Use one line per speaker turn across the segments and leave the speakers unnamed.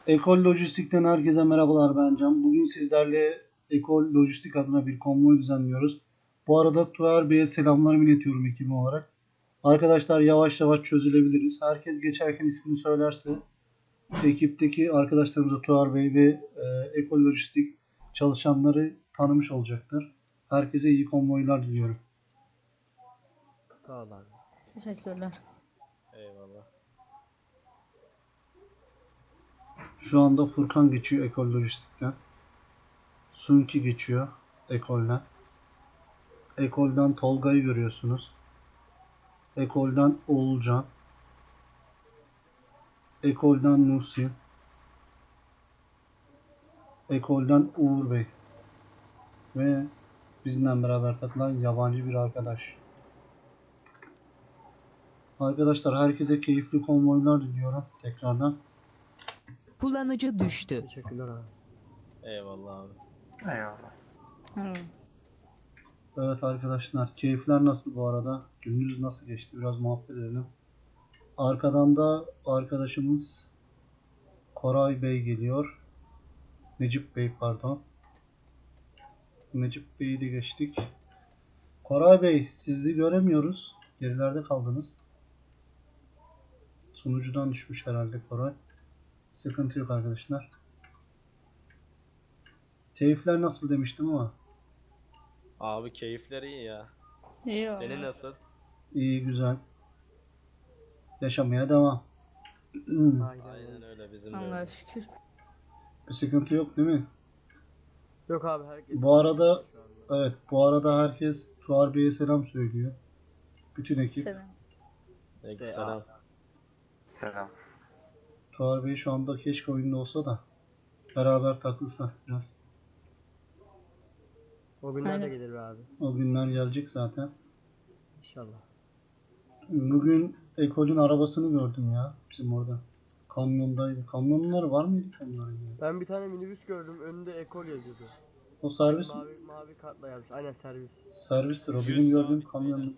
Ekol Lojistik'ten herkese merhabalar, ben Can. Bugün sizlerle Ekol Lojistik adına bir konvoy düzenliyoruz. Bu arada Tuğer Bey'e selamlarımı iletiyorum ekibim olarak. Arkadaşlar yavaş yavaş çözülebiliriz. Herkes geçerken ismini söylerse ekipteki arkadaşlarımıza Tuğer Bey ve Ekol Lojistik çalışanları tanımış olacaktır. Herkese iyi konvoylar diliyorum.
Sağ ol abi.
Teşekkürler.
Eyvallah.
Şu anda Furkan geçiyor Ekol Lojistik'ten. Sunki geçiyor Ekol'den. Ekol'den Tolga'yı görüyorsunuz. Ekol'den Oğulcan. Ekol'den Nusin. Ekol'den Uğur Bey. Ve bizimle beraber takılan yabancı bir arkadaş. Arkadaşlar herkese keyifli konvoylar diliyorum tekrardan.
Kullanıcı düştü.
Teşekkürler abi. Eyvallah abi.
Hı.
Evet arkadaşlar, keyifler nasıl bu arada? Gününüz nasıl geçti? Biraz muhabbet edelim. Arkadan da arkadaşımız Koray Bey geliyor. Necip Bey pardon. Necip Bey'i de geçtik. Koray Bey, sizi göremiyoruz. Gerilerde kaldınız. Sunucudan düşmüş herhalde Koray. Sıkıntı yok arkadaşlar. Keyifler nasıl demiştim ama.
Abi keyifler iyi ya.
İyi
Senin
oldu.
nasıl?
İyi, güzel. Yaşamaya devam.
Aynen öyle bizim de
Allah'a
öyle.
şükür.
Bir sıkıntı yok değil mi?
Yok abi herkes.
Bu arada
şu anda.
evet, bu arada herkes Tuğar Bey'e selam söylüyor. Bütün ekip.
Selam.
Selam.
Selam.
Tuğar Bey şu anda keşke oyunda olsa da beraber takılsak biraz.
O günler de
Aynen.
gelir be abi.
O günler gelecek zaten.
İnşallah.
Bugün Ekol'ün arabasını gördüm ya bizim orada. Kamyondaydı. Kamyonlar var mıydı kamyonların ya?
Ben bir tane minibüs gördüm. Önünde ekol yazıyordu.
O servis
Mavi kartla yazmış. Aynen servis.
servistir o.
100
Benim gördüğüm
sabit
kamyon.
beyler, 100.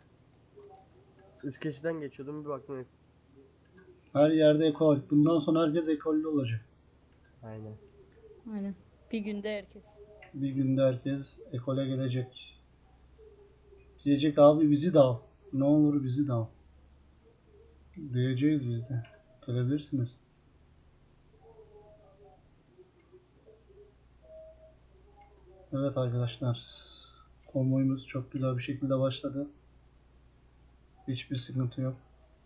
Üst geçitten geçiyordum bir baktım.
Her yerde Ekol. Bundan sonra herkes Ekol'lü olacak.
Aynen.
Aynen. Bir günde herkes.
Bir günde herkes Ekol'e gelecek. Diyecek abi bizi de al. Ne olur bizi de al. Diyeceğiz biz de. Gelebilirsiniz. Evet arkadaşlar. Konvoyumuz çok güzel bir şekilde başladı. Hiçbir sıkıntı yok.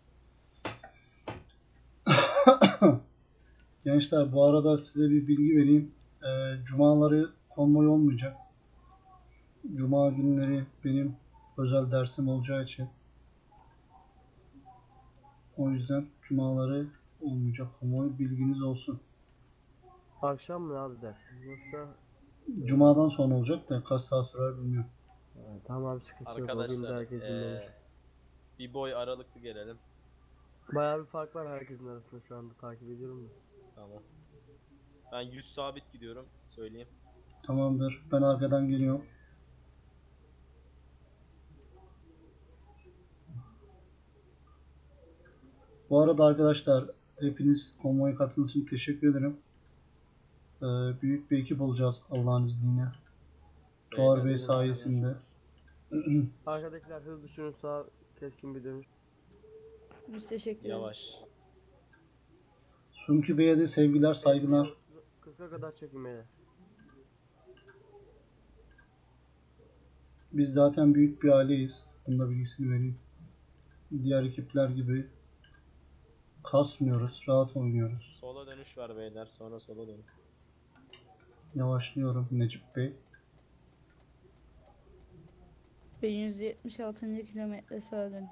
Gençler, bu arada size bir bilgi vereyim. Cumaları konvoy olmayacak. Cuma günleri benim özel dersim olacağı için. O yüzden cumaları olmayacak konvoy, bilginiz olsun.
Akşam mı abi dersin? Yoksa
Cumadan sonra olacak da kaç saat sürer bilmiyorum.
tamam abi sıkıntı yok. O günde
Arkadaşlar
herkes dinlenir.
bir boy aralıklı gelelim.
Bayağı bir fark var herkesin arasında şu anda takip ediyorum da.
Tamam. Ben 100 sabit gidiyorum. Söyleyeyim.
Tamamdır. Ben arkadan geliyorum. Bu arada arkadaşlar, hepiniz konvoya katıldığınız için teşekkür ederim. Büyük bir ekip olacağız Allah'ın izniyle. Tuğar Bey
Beyler,
sayesinde.
Arkadakiler hızlı şunu sağ keskin bir dönüş.
Biz teşekkür ederiz.
Yavaş.
Sunki Bey'e de sevgiler, saygılar.
40'a kadar çekin beyler.
Biz zaten büyük bir aileyiz. Bunun da bilgisini vereyim. Diğer ekipler gibi kasmıyoruz, rahat oynuyoruz.
Sola dönüş var beyler. Sonra sola dön.
Yavaşlıyorum Necip Bey.
1176. kilometre sağa dönüş.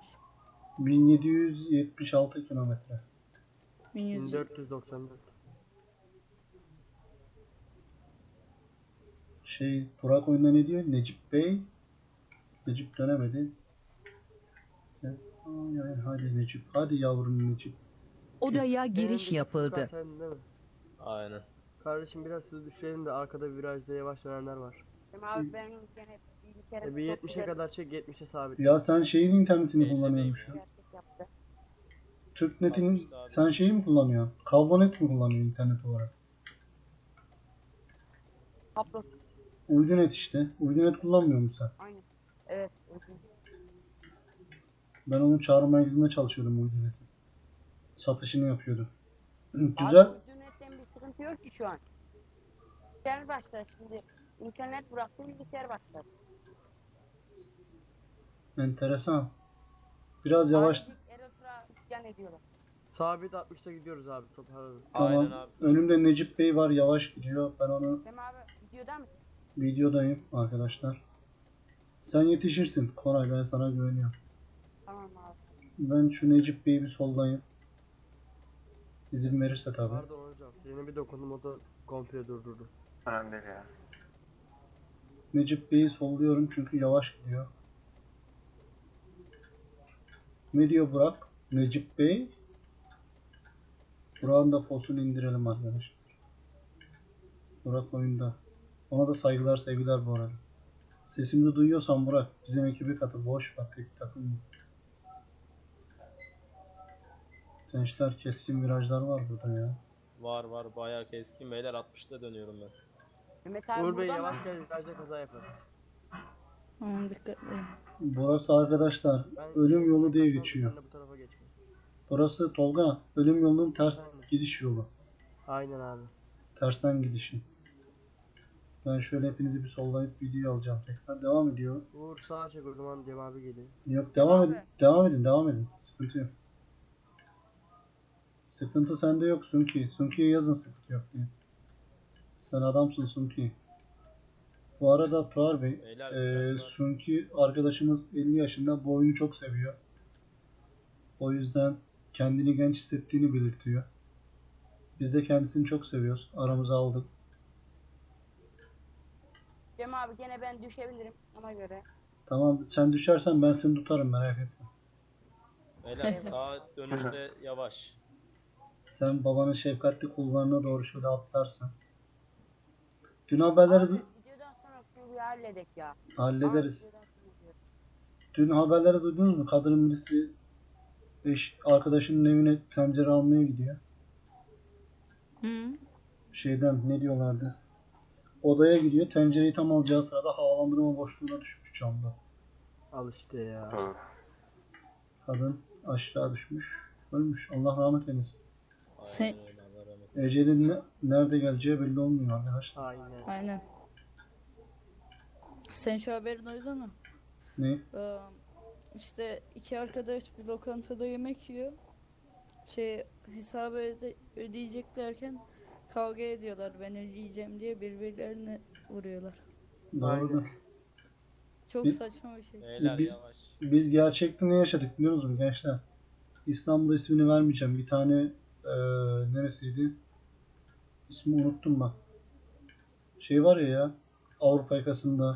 1776 kilometre.
1100.
1494.
Burak oyunda ne diyor? Necip Bey. Necip dönemedi. Hadi Necip. Hadi yavrum Necip.
Odaya
En
giriş
öndeki
yapıldı.
Furkan sendin değil mi?
Aynen.
Kardeşim biraz hızlı düşürelim de arkada virajda yavaş dönenler var.
Abi benim gene bir kere
Bir
çok
70'e
güzel
kadar çek 70'e sabit.
Ya sen şeyin internetini
Elli
kullanıyormuşsun.
bir hareket yaptı.
TürkNet'in
Altmış sabit.
sen şeyi mi kullanıyorsun? Kablonet mi kullanıyorsun internet olarak?
Upload.
Uydunet işte. Uydunet kullanmıyor musun sen?
Aynen. Evet. Uygun.
Ben onun çağrı merkezinde çalışıyordum Uydunet'in. Satışını yapıyordum. Güzel.
Abi internetten bir sıkıntı yok ki şu an. Bilgisayar başlar şimdi. İnternet bıraktım bilgisayar başlar.
Enteresan. Biraz yavaş.
Ayrıca Eros'a isyan ediyorlar.
Sabit 60'ta gidiyoruz abi toparladım.
Tamam.
Aynen abi.
Önümde Necip Bey var, yavaş gidiyor. Ben onu
Cem abi videoda mısın?
videodayım arkadaşlar. Sen yetişirsin. Koray, ben sana güveniyorum.
Tamam abi.
Ben şu Necip Bey'i bir sollayayım. İzin verirse tabii.
Pardon hocam. Frene bir dokundum o da komple durdurdu.
Önemli değil ya.
Necip Bey'i solluyorum çünkü yavaş gidiyor. Ne diyor Burak? Necip Bey. Burak'ın da posunu indirelim arkadaşlar. Burak oyunda. Ona da saygılar sevgiler bu arada. Sesimi duyuyorsan Burak bizim ekibe katıl. Boş ver, tek takım. Gençler, keskin virajlar var burada ya.
Var var bayağı keskin beyler 60'ta dönüyorum ben.
Mehmet abi
Uğur Bey
burada mı?
yavaş gel virajda kaza yaparız.
Aman dikkatli olun.
Burası arkadaşlar
Ben
ölüm yolu diye
Sen
geçiyor.
de bu tarafa geçme.
Burası Tolga ölüm yolunun ters gidiş yolu.
Aynen abi.
Tersten gidişi. Ben şöyle hepinizi bir sollayıp video alacağım tekrar. Devam ediyor.
Uğur sağa çek o zaman Cem abi geliyor.
Yok, devam
Abi.
edin. Devam edin. Devam edin. Sıkıntı yok. Sıkıntı sende yok Sunki. Sunki'ye yazın sıkıntı yok diye. Sen adamsın Sunki. Bu arada Tuğar Bey,
Beyler, virajlar.
Sunki arkadaşımız 50 yaşında, bu oyunu çok seviyor. O yüzden kendini genç hissettiğini belirtiyor. Biz de kendisini çok seviyoruz. Aramıza aldık.
Cem abi gene ben düşebilirim ona göre.
Tamam, sen düşersen ben seni tutarım, merak etme.
Beyler sağ dönüşte yavaş.
Sen babanın şefkatli kullarına doğru şöyle atlarsan. Dün haberleri
Abi videodan sonra şunu bir halledek ya.
hallederiz.
Abi, videodan sonra diyorum.
Dün haberleri duydunuz mu? Kadının birisi arkadaşının evine tencere almaya gidiyor.
Hı.
Şeyden ne diyorlardı? Odaya gidiyor. Tencereyi tam alacağı sırada havalandırma boşluğuna düşmüş camda.
Al işte ya.
Hı.
Kadın aşağı düşmüş. Ölmüş. Allah rahmet eylesin.
Sen-
Aynen öyle Allah rahmet eylesin.
Ecelin nerede geleceği belli olmuyor arkadaşlar.
Aynen.
Aynen. Sen şu haberini duydun mu?
Ne?
İşte iki arkadaş bir lokantada yemek yiyor. Hesabı ödeyeceklerken kavga ediyorlar. Ben ödeyeceğim diye birbirlerine vuruyorlar.
Doğrudur.
Çok
Biz-
saçma bir şey.
Beyler
Biz-
yavaş.
Biz gerçekte ne yaşadık biliyor musunuz gençler? İstanbul'da ismini vermeyeceğim. Bir tane neresiydi? İsmi unuttum bak. Şey var ya Avrupa yakasında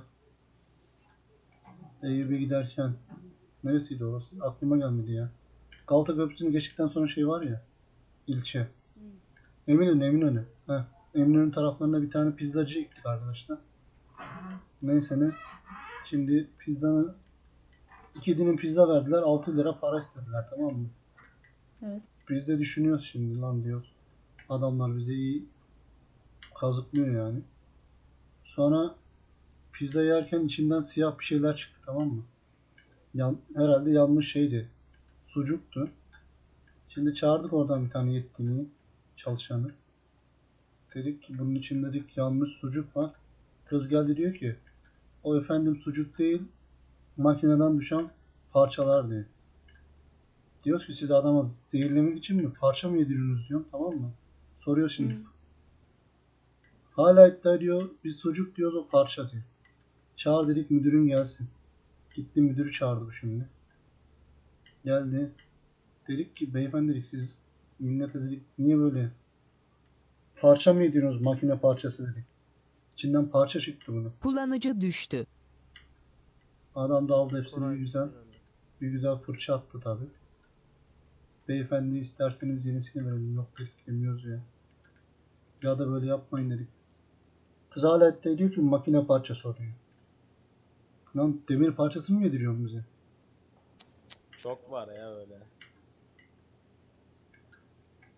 Eyüp'e giderken neresiydi orası? Aklıma gelmedi ya. Galata Köprüsü'nü geçtikten sonra şey var ya ilçe. Eminönü. Heh. Eminönü taraflarında bir tane pizzacı gittik arkadaşlar. Neyse ne. Şimdi pizzanı 2 dilim pizza verdiler. 6 lira para istediler, tamam mı?
Evet.
Biz de düşünüyoruz şimdi lan diyoruz. Adamlar bize iyi kazıklıyor yani. Sonra pizza yerken içinden siyah bir şeyler çıktı, tamam mı? Herhalde yanmış şeydi. Sucuktu. Şimdi çağırdık oradan bir tane yetkiliyi, çalışanı. Dedik ki bunun için dedik yanmış sucuk var. Kız geldi diyor ki o efendim sucuk değil makineden düşen parçalar diyor. Diyoruz ki siz adama zehirlemek için mi parça mı yediriyorsunuz diyorum, tamam mı? Soruyor şimdi.
Hı.
Hala iddia ediyor biz sucuk diyoruz o parça diyor. Çağır dedik müdürün gelsin. Gitti müdürü çağırdı bu şimdi. Geldi. Dedik ki beyefendi dedik siz millete dedik niye böyle parça mı yediriyorsunuz makine parçası dedik. İçinden parça çıktı bunu.
Kullanıcı düştü.
Adam da aldı hepsini
Koray
bir güzel fırça attı tabi. Beyefendi isterseniz yenisini verelim. Yok dedik yemiyoruz ya. Ya da böyle yapmayın dedik. Kız hala iddia ediyor ki makine parçası o diyor. Lan demir parçası mı yediriyorsun bize?
Çok var ya öyle.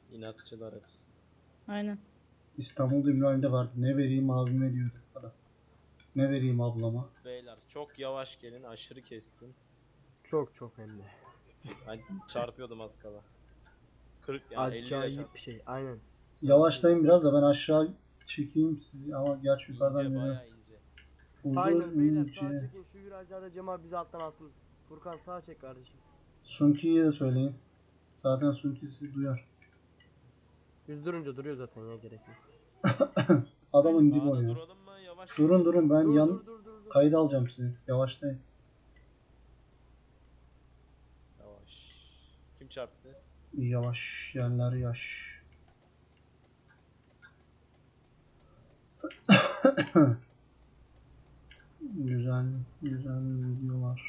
İnatçılar hep.
Aynen.
İstanbul'da Ümraniye'de vardı. Ne vereyim abime diyordu adam. Ne vereyim ablama.
Beyler çok yavaş gelin, aşırı keskin.
Çok hem de.
Ben çarpıyordum az kala. 40 yani 50 ile
Acayip bir şey. Aynen.
Yavaşlayın biraz da ben aşağı çekeyim sizi ama gerçi yukarıdan
ince,
görüyorum.
bayağı ince.
Aynen beyler
Uzun
sağa
şey.
çekin şu virajlarda Cem abi bizi alttan alsın. Furkan sağa çek kardeşim.
Sunki'ye de söyleyin. Zaten Sunki sizi duyar.
Düz durunca duruyor zaten ya, gerek yok.
Adamın dibi
Sağda
oynuyor.
duralım mı? Yavaş
Durun
gidelim.
ben yan
Dur.
kayıt alacağım sizi. Yavaşlayın.
Yavaş. Kim çarptı?
Yavaş yerler yaş. Güzel videolar.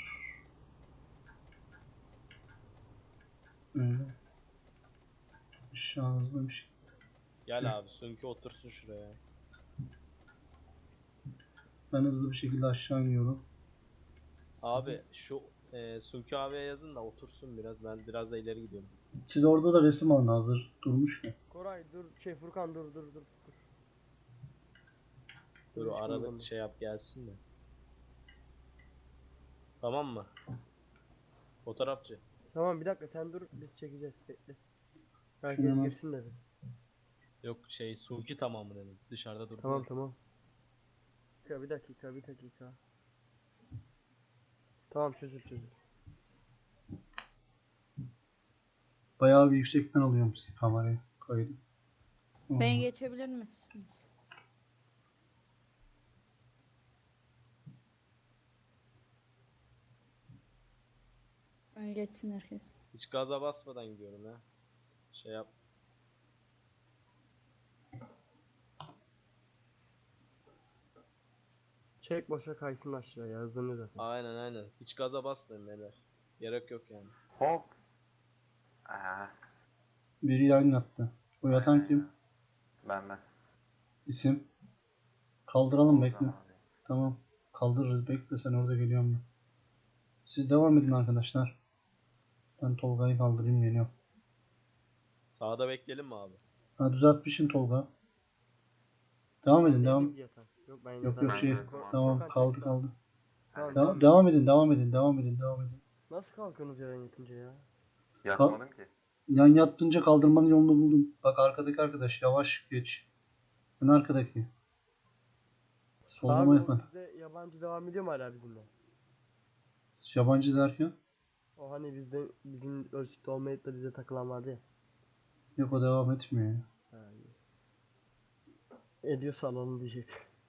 Öyle. Şahızlı bir şey.
Gel abi, Sunki otursun şuraya.
Ben hızlı bir şekilde aşağı iniyorum.
Abi şu Sunki abiye yazın da otursun biraz. Ben biraz da ileri gidiyorum.
Siz orada da resim alın hazır durmuş ya.
Koray dur, Furkan dur.
Dur
hiç
arada
kımıldama.
şey yap gelsin de. Tamam mı? Fotoğrafçı.
Tamam bir dakika sen dur, biz çekeceğiz, bekle.
Şuna
Herkes
bak.
girsin dedi.
Yok şey Sunki tamamı dedim. Dışarıda durdu.
Tamam. Bir dakika. Tamam çözül.
Bayağı bir yüksekten alıyorum sizi kamerayı kaydı.
Beni geçebilir misiniz? Beni geçsin herkes.
Hiç gaza basmadan gidiyorum ya. Şey yap.
Çek boşa kaysın aşağıya, hızlanıyor zaten.
Aynen. Hiç gaza basmayın beyler. Gerek yok yani.
Hop. Aa,
Biri yayın yaptı. O yatan kim?
ben.
İsim. Kaldıralım bekle.
Tamam abi.
Tamam. Kaldırırız bekle sen orada geliyorum ben. Siz devam edin arkadaşlar. Ben Tolga'yı kaldırayım geliyorum.
Sağda bekleyelim mi abi?
Ha düzeltmişsin Tolga. Devam edin devam.
Neydi yatan? Yok ben
Yok
yatan.
yok şey.
Tamam,
Tamam
Furkan
kaldı
çek
kaldı.
Tamam,
Devam edin devam edin.
Nasıl kalkıyorsunuz yerden yatınca ya?
Yatmadım ki.
Yan yattınca kaldırmanın yolunu buldum. Bak arkadaki arkadaş yavaş geç. En arkadaki. Sollama
Abi
yapma.
o bizde yabancı devam ediyor mu hala bizimle?
Yabancı derken?
O hani bizim ölçüde olmayıp da bize takılan vardı ya.
Yok o devam etmiyor ya.
Ha, iyi. Ediyorsa alalım diyecek.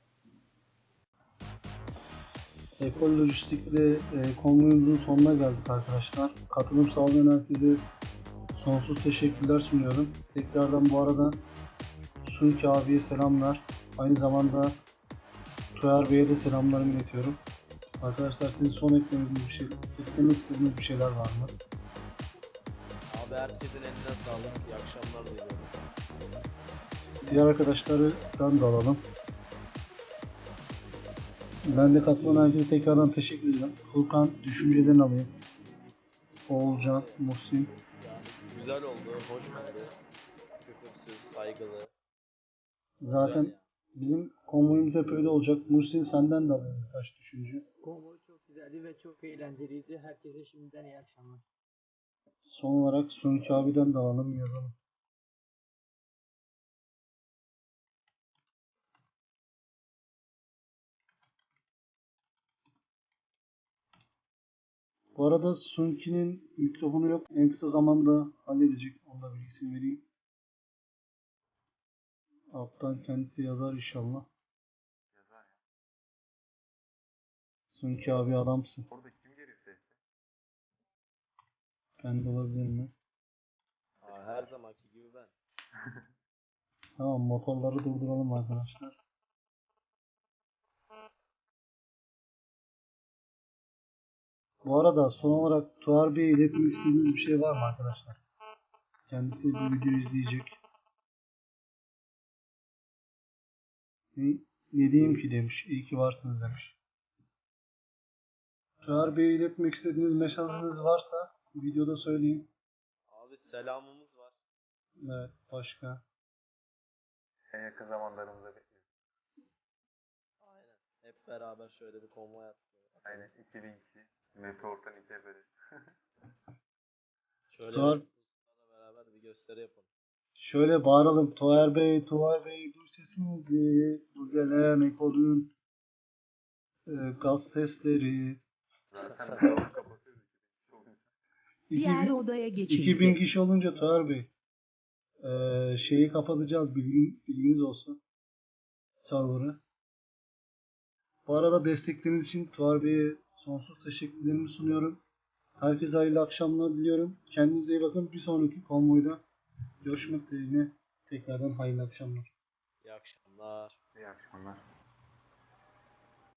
Ekol Lojistik'le konvoyumuzun sonuna geldik arkadaşlar. Katılım sağlayan herkese sonsuz teşekkürler sunuyorum. Tekrardan bu arada Sunki abiye selamlar. Aynı zamanda Tuğer Bey'e de selamlarımı iletiyorum. Arkadaşlar sizin son eklemek istediğiniz bir şeyler var mı?
Abi herkesin eline sağlık. İyi akşamlar diliyorum.
Diğer arkadaşlardan da alalım. Ben de katılan herkese tekrardan teşekkür ederim. Furkan düşüncelerini alayım. Oğulcan, Muhsin.
Yani güzel oldu, hoş oldu. Küfürsüz, saygılı.
Zaten
Güzel ya.
bizim konvoyumuz hep öyle olacak. Muhsin senden de alayım birkaç düşünce.
Konvoy çok güzeldi ve çok eğlenceliydi. Herkese şimdiden iyi akşamlar.
Son olarak Sunki abiden de alalım yazalım. Bu arada Sunki'nin mikrofonu yok. En kısa zamanda halledecek. Onu da bilgisini vereyim. Alttan kendisi yazar inşallah.
Yazar ya.
Sunki abi adamsın.
Orada kim geliyor sesle?
Kendi olabilir mi?
Aa, her zamanki gibi ben.
Tamam motorları durduralım arkadaşlar. Bu arada son olarak Tuğer Bey'e iletmek istediğiniz bir şey var mı arkadaşlar? Kendisi bu videoyu izleyecek. Ne diyeyim ki demiş. İyi ki varsınız demiş. Tuğer Bey'e iletmek istediğiniz mesajınız varsa videoda söyleyin.
Abi selamımız var.
Evet, başka.
En yakın zamanlarımızda bekliyoruz.
Aynen. Hep beraber şöyle bir konvoy attık.
Aynen 2000 kişi. Meteor'dan ikiye böyle.
Şöyle
Tuğar-
bir Ruslarla beraber bir gösteri yapalım.
Şöyle bağıralım. Tuğer Bey, duy sesinizi. Bu gelen ekolün gaz sesleri.
Zaten Meteor'u kapatıyoruz 2000 kişi olunca.
Diğer
2000,
odaya
2000
geçildi.
kişi olunca Tuğer Bey şeyi kapatacağız, bilginiz olsun. Server'ı. Bu arada destekleriniz için Tuğer Bey'e sonsuz teşekkürlerimi sunuyorum. Herkese hayırlı akşamlar diliyorum. Kendinize iyi bakın. Bir sonraki konvoyda görüşmek dileğiyle tekrardan hayırlı akşamlar.
İyi akşamlar.
İyi akşamlar.